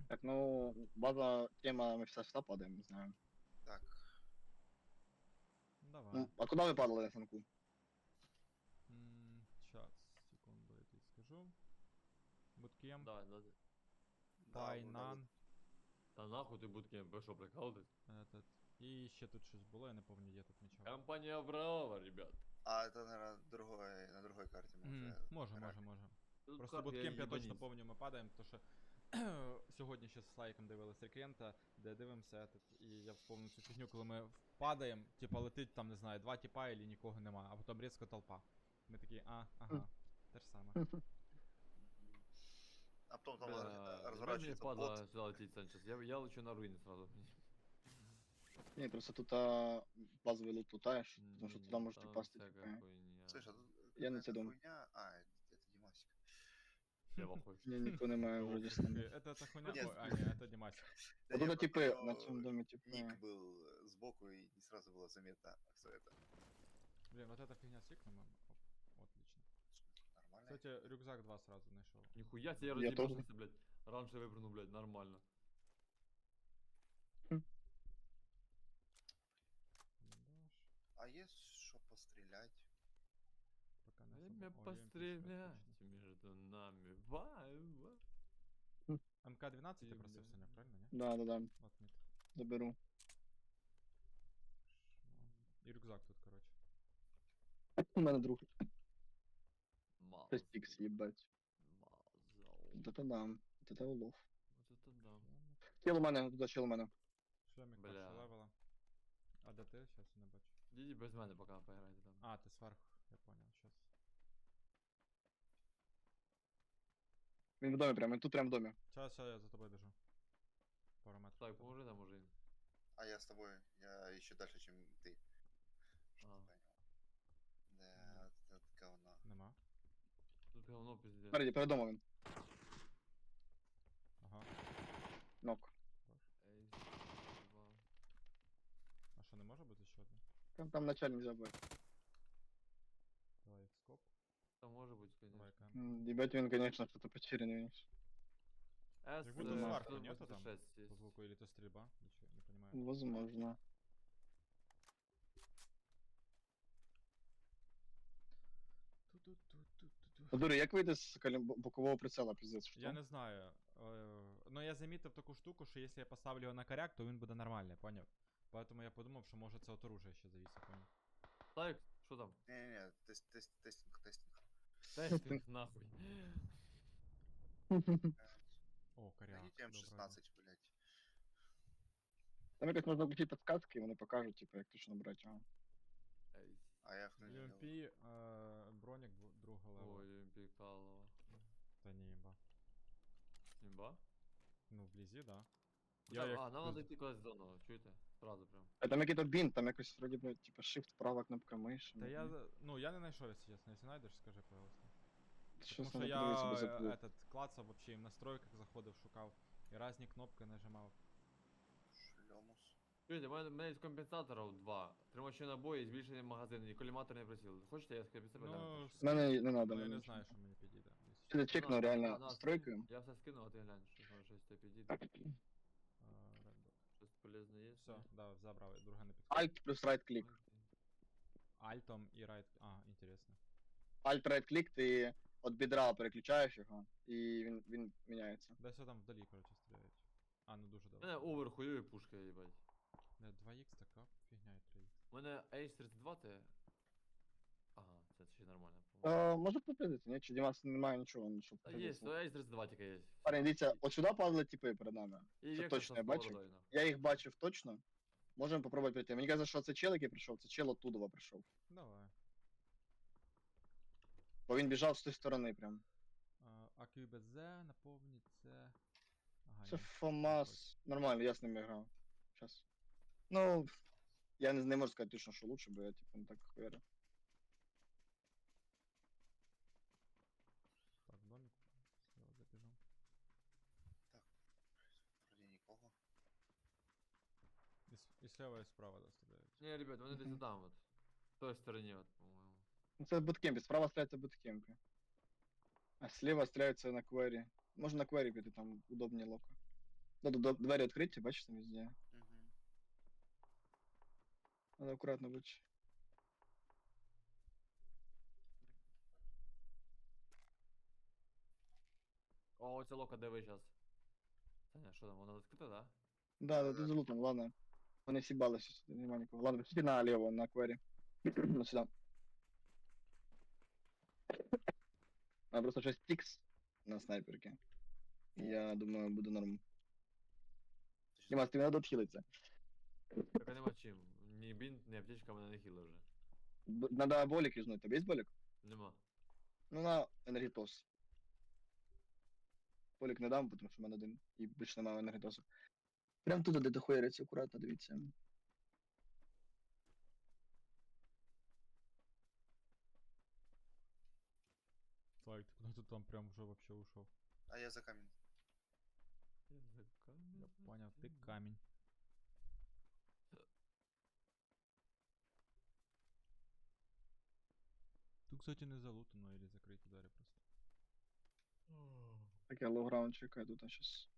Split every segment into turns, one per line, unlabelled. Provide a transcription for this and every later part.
Так, ну, база, тема, мы все падаем, не знаю.
Так,
Давай.
Ну, а куда вы падали на санку?
Сейчас, секунду, я тебе скажу. Буткемп,
Да, да.
Пайнан,
Та нахуй ти буткемп, ви що, прикалуєтесь?
этот. І ще тут щось було, я не пам'ятаю, де тут мічав.
Компанія Авраама, ребят.
А это, наверное, на другой карте мы уже
Може,
играли.
може.
Тут
Просто
карт
буткемп я точно
їбаніс.
пам'ятаю, ми падаємо, то що сьогодні ще з Слайком дивились рекрента, де дивимося, этот, і я вспомнив цю фігню, коли ми падаємо, типа летить там, не знаю, 2 типа і нікого нема, а потім різко толпа. Ми такі, ага, те ж саме.
А потом там
Бля,
разворачивается
мені
бот.
впадло сюди летіть, Санчес. Я лечу на руїни сразу.
Не, просто тут базовый лут лутаешь, потому что туда можете
Там
пасти,
всяка
типа.
хуйня.
Слышь, а тут
Я на
какая-то
тебя
хуйня. А, это Димасик.
Я в ахуї.
Не, никто не має вроде с нами.
Это хуйня,
Нет.
ой, а, ні, это Димасик.
Вот
я
это
просто
типы
у
на
него
цьому домі, типа.
Ник был сбоку, и не сразу было заметно, кто это.
Блин, вот эта фигня с икном, оп, отлично.
Нормально.
Кстати, рюкзак 2 сразу нашел.
Ніхуя себе, я
Я тоже.
роз'їбався, блядь. Раніше випрыгнув, блядь, нормально.
Бандаж,
А есть что пострелять?
пока не
Время
особо. О, UMP
пострелять
отлично.
между нами. Ва.
МК-12 ты
Бля.
просил, Саня, правильно, не?
Да,
Вот мид.
заберу.
И рюкзак тут, короче.
У мене друг.
Мазал.
Пестикс, їбать.
Мазал.
Вот это да. Вот это улов.
Вот это да.
Чел у мене, туди чел у мене.
Шлемик
Бля.
першого левела. А де ти? Сейчас я не бачу.
Ідіть без мене поки поіграйте там.
А, ти зверху, я понял, сейчас.
Він в домі прямо, він тут прямо в домі.
Сейчас я за тобой бежу. Пару метров.
Так, поможи нам уже.
А я с тобой. Я еще дальше, чем ты. Что
А.
ты понял? Да, это говно.
Нема.
Тут говно пиздец.
Перед домом він.
Ага.
Нок.
Ей, два.
А що, не може бути ще одне?
Там начальник забив.
Давай скоп.
Та може бути,
Давай
конечно.
кам.
Їбать він, конечно, що-то потеряний.
С,
Как будто сварка нету там?
186
По
есть.
звуку или то стрельба? Ничего, не понимаю.
Возможно.
Ту-ту-ту-ту-ту.
Дури, як вийти з бокового прицела, піздець, що?
Я не знаю. Но я замітив таку штуку, що якщо я поставлю його на коряк, то він буде нормальний, поняв? Поэтому я подумав, що може це от оружия ще зависить, поняв?
Так, що там?
Не-не-не, тестинг.
Тестинг нахуй.
О, коряк.
Найдите М16, блядь.
Там якось можна включити підсказки, і вони покажуть, типу, як точно брати його.
Ей.
А я в
UMP, бронік другого левела.
Ой, пікало.
Та ні, їба.
Імба?
Ну, вблизі, да.
Так,
як
а, нам
пиз-
надо йти кудись в зону, чуєте? Сразу прям.
А там який-то бінт, там якось вроді би, типу, shift, права кнопка миші.
Та я, ну, я не знайшов, якщо чесно. Якщо знайдеш, скажи, пожалуйста.
Щось
Тому що
надо
я
себе заплив.
этот, клацав вообще і в настройках заходив, шукав. І різні кнопки нажимав.
Шлемус.
Чуєте, у мене є компенсаторів 2. Тримачі набої, збільшений магазин і коліматорний приціл. Хочете, я з компенсатором?
Ну,
В мене не надо.
ну, я
мені
не
нічого.
знаю, що мені підійде. якщо
Чи
чесно.
я чекну реально настройки?
Я все скину, а ти глянь, що може щось тобі підійде.
Red Dot.
Щось полезне є?
Все, да, забрав, друге не підходить.
Alt плюс right клік.
Альтом і right. А, інтересно.
Alt right клік, ти від бідра переключаєш його, і він міняється.
Десь там вдалі, короче, стріляють. А, ну дуже
У мене
добре.
овер хуйові пушка, їбать.
Не, 2х така фігня і 3х.
У мене H32 це... Ага, це ще нормально. по-моєму.
Може попитати, ні? Чи Дімас немає нічого, ну, щоб
Та є, H32 тільки є.
Парень, дивіться, от сюди падали типи перед нами.
І
Це
Vector
точно
з
я бачив.
бородою, нахуй.
Я їх бачив точно. Можемо попробувати прийти. Мені кажется, що це чел, який прийшов, це чел оттуда прийшов.
Давай.
Бо він біжав з тої сторони прям.
АКБЗ, наповніть це. Ага,
Це
ні.
ФОМАС. Нормально, я з ними грав. Щас. Ну, я не можу сказати точно, що лучше, бо я типу не так хуярю.
Так, домик. Слева забежал.
Вроде никого.
И слева, и справа, да, стреляют.
Ні, ребят, вони десь
Мгм.
там от. В той стороні, от, по-моєму.
Ну, це буткемпі, справа стріляється буткемпі. А слева стріляються на квері. Можна на квері піти, там удобні локо. Двері відкриті, бачиш там везде.
Угу.
Надо акуратно бути.
О, оця лока, де ви зараз? Саня, що там, вона відкрита, да?
Да, тут залутано, ладно. Вони сібалися, сюди нема нікого. Ладно, сюди наліво, на акварі. Ну сюди. А просто 6 тікс на снайперки. Я думаю, буде норм. Дімас, тобі треба відхилитися.
Так а нема чим. Ні бінт, ні аптечка мене не хіла вже.
Надо болік юзнуть. Тобі є болік?
Нема.
Ну на енергітос. Болік не дам, тому що в мене один. І більше немає енергітосу. Прям туди, де дохуяриться, акуратно, дивіться.
Слайк, ти куди ти там прям вже вообще ушов?
А я за камень.
Я поняв, ти камінь. Тут, кстати, не залутано, или закриті двері просто.
Так я лоу-граунд чекаю тут, а щас.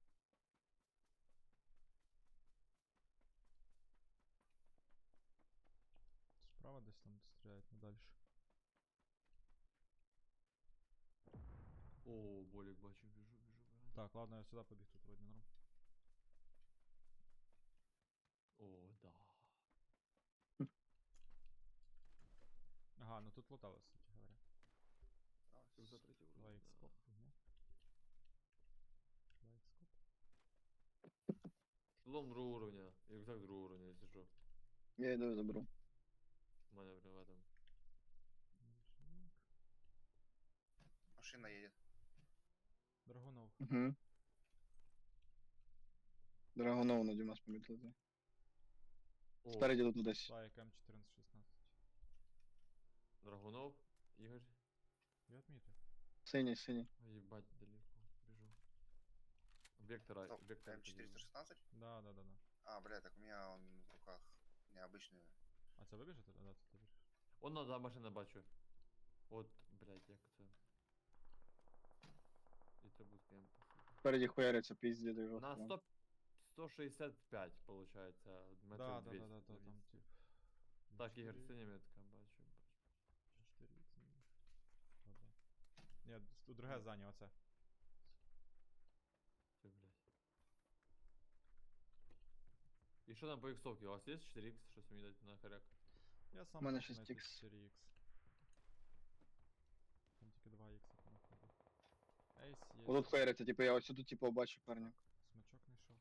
Справа десь там стріляють, ну дальше.
О, болік бачу, біжу.
Так, ладно, я сюди побіг, тут вроді норм.
О, да.
Ага, ну тут лутали, кстати говоря.
Тут за третій уровень.
Лайк
да.
скоп. Угу. Лайк скоп.
Лом другого уровня, і рюкзак другого уровня, якщо що.
Я йду і заберу.
У мене прям в этом.
Машина едет.
Драгунов.
Угу. Драгонов на Дімас помітили.
О,
Спереді тут десь.
Лайк М1416.
Драгунов, Ігор.
Я отмітив.
Синій, синій.
Ебать, далеко. Бежу. Вектора,
Стоп,
вектор.
М416?
Да.
А, бля, так у меня он в руках необычный.
А це вибіжите? Да, це ти біжиш.
Он надо машина бачу. От, блядь, як це. І це буде кемп.
Спереді хуяриться, пізді до його.
На 100, 165, получается, метрів
Да,
200.
там тип.
Так, Ігор,
4
синя метка, бачу.
4 х Ні, тут друге здання, оце.
Все, блядь. І що там по іксовці? У вас є 4х, щось мені дати на харяк?
Я сам
У мене
хочу знайти
6х.
4х. Там тільки 2х понаходив. Ейс є.
Отут хуяриться, типу я ось тут типу бачу парня.
Смачок знайшов.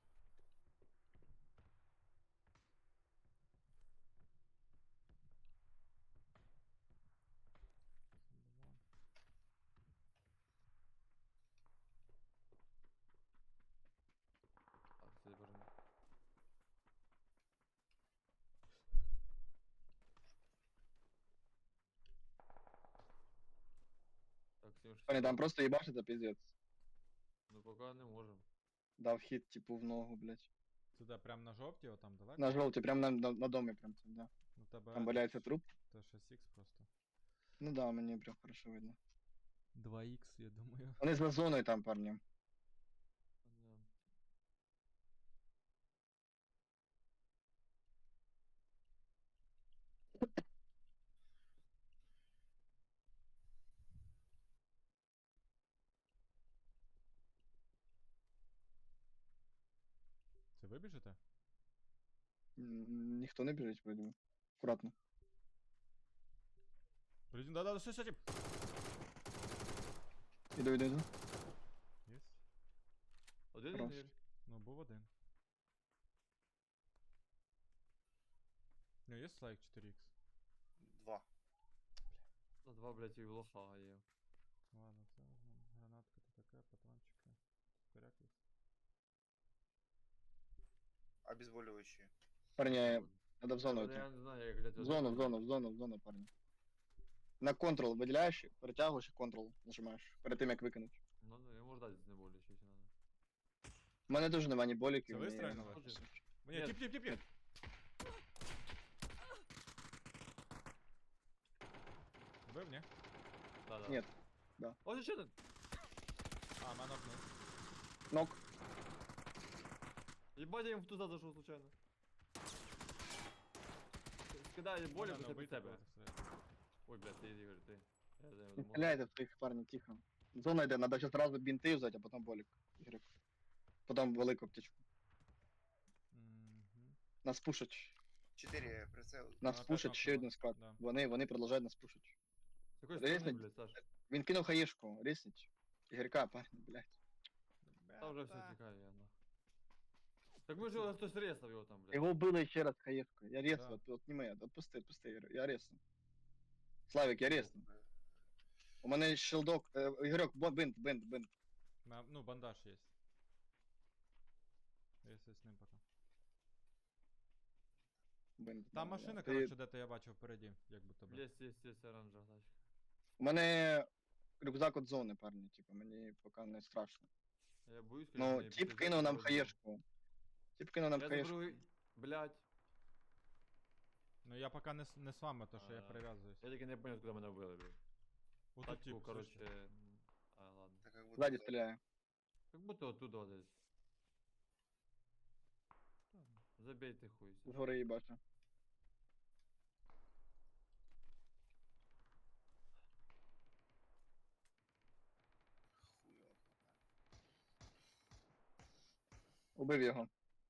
Так, це бажано. Так, 76.
Парні, там просто їбашиться, піздець.
Ну пока не можем.
Дав хід, типу, в ногу, блядь.
Це де, прям на жовті, отам далеко?
На жовті, прям на домі прям там, да.
Ну, тебе
Там валяється труп.
Це 6х просто.
Ну да, мені прям хорошо видно.
2х, я думаю.
Вони з зоною там, парні.
Да.
Це ви біжите?
Ніхто не біжить, вроді би. Акуратно.
Блін, да, що тип?
Іду.
Єс.
Один
Хорош.
Ігор?
Ну, був один. Ну, є лайк 4х.
2.
На 2, блядь, і лоха є.
Ладно, це возьмем. Гранатка то таке, патрончики. Коряк є.
Обезболивающие.
Парні, треба в зону
Я
йти.
не знаю, як, блядь,
В зону, парні. На контрол виділяєш, перетягуєш і контрол нажимаєш. Перед тим як викинути.
Ну, я можу дати знеболюючи, якщо надо.
У мене теж нема ні боліків,
Це
ні...
вистрілили?
Хочеш?
Ні,
Нет.
тип. Вбив, ні?
Да.
Ні.
Ось ще один!
А, мене нокнув.
Нок.
Ебать, я їм в туза зайшов случайно. Скидаю болі
Мене
під
вбити
себе.
було, так сказати.
Ой, блядь, ти Ігор, ти. Я за нього
Не
думав.
стріляйте в своїх парні, тихо. Зона йде, треба зараз одразу бінти взяти, а потім болік. Ігрик. Потім велику аптечку.
Мгм.
Нас пушать.
4 прицел.
Нас
опять
пушать ще
нокнули.
один склад.
Да.
Вони продовжують нас пушать.
З якої сторони,
Резнуть?
блядь, Саш?
Він кинув хаєшку, ресніть. Ігорка, парні, блядь.
Там вже все
Бета.
тікає, я нахуй. Так ми ж хтось ресав його там, блядь.
Його вбили ще раз хаєшкою. Я ресну,
Да.
отніми, отпусти, Ігор, я ресну. Славік, я ресну. У мене щелдок, Ігорьок, бинт.
Ну, бандаж є. Если з ним пока.
Бинт.
Там
да,
машина,
Ти-
коротше, де-то я бачив впереді, як будто би.
Є оранжева тачка.
У мене рюкзак от зони, парні, типу, мені поки не страшно.
Я боюсь,
Ну,
її
тип
пиздець
кинув нам
зробив.
хаєшку. Тип кинув нам
Я
хаєшку.
заберу, блядь.
Ну я пока не з вами, то що я
А,
прив'язуюсь.
Я тільки не понял, куди мене вбили, блядь.
Отут
Тачку,
тип,
короче.
слушай.
А, ладно.
Так как будто
Ззаді
за-
стріляє.
Как будто оттуда десь. Забейте хуй.
Згори її бачу.
Хуй его знает.
Убив його.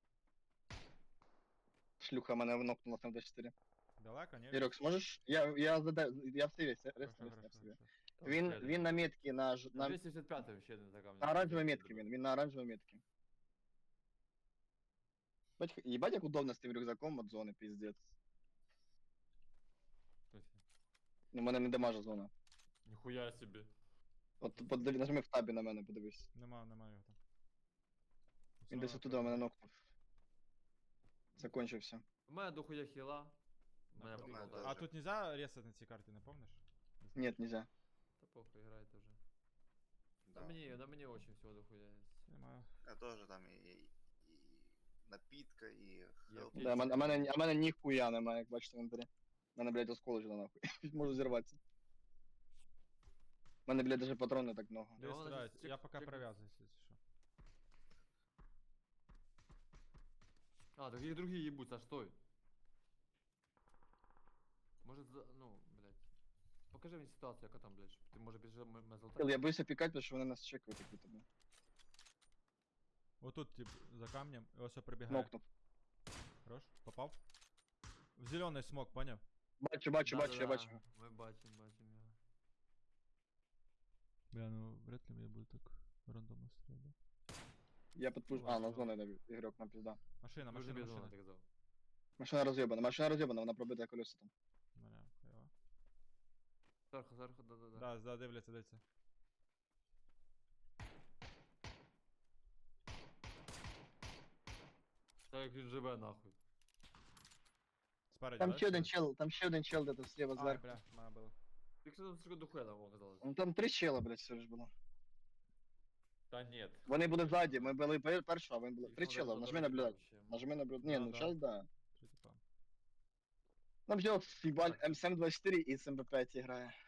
Шлюха мене нокнула на 24.
Далеко, ні?
Ірок, зможеш? Я в сиві,
Хорошо,
ресну,
хорошо,
в сиві.
хорошо.
Він на метці, на
275 ще один така.
на оранжевій метці він на оранжевій метці. Ебать, як удобно з тим рюкзаком от зони, пиздец. Ну, мене не дамажа зона.
Ніхуя собі.
От нажми в табі на мене, подивись.
Нема його там.
Він десь оттуда мене нокнув. Закончився.
У мене дохуя хіла. Мене
А
прикол
тоже.
А тут нельзя ресать на цій карті, не помниш?
Нет, нельзя.
Та похуй, грайте вже.
Да.
На мені очень всього дохуя є.
Нема.
Я тоже там и напитка, и хелп.
Є.
Да, а мене ніхуя немає, як бачите в інвентарі. Мене, блядь, осколочено нахуй. Можу зірватися. Мене, блядь, даже патрони так много.
Дивись,
вона
стріляють.
щас
Я
чек-
пока
чекну.
прив'язуюсь, якщо що.
А, так їх другі їбуть, Саш, стой. Може, ну, блядь. Покажи мені ситуацію, яка там, блядь, щоб ти може біжи мене
Кіл,
золотати.
я боюся пікати, тому що вони нас чекають, як будто би.
Отут, тип, за камнем, і ось прибігає.
Нокнув.
Хорош, попав. В зелений смок, поняв?
Бачу, я бачу.
Ми бачимо його.
Бля, ну вряд ли я буду так рандомно стріляти.
Я підпуш... А, на зону йде ігрок, нам пізда.
Машина,
Дуже
машина,
бідно,
машина.
ти казав.
Машина роз'єбана, вона пробита колеса там.
Бля, хайва.
Зверху, да.
Да, дивляться.
Та як він живе, нахуй.
Спереді,
Там
да,
ще один чел де-то зліва
А,
зверху.
бля, мене було.
Якщо там тільки дохуя там оказалось.
Ну там 3 чела, блядь, все ж було.
Та ні.
Вони були ззаді, ми були першого, а вони були 3 чела, нажми наблюдати. Нажми наблюдати. Ні,
Да,
ну
да.
зараз да.
Три типа.
Нам взяв фібаль М724 і з МП5 грає.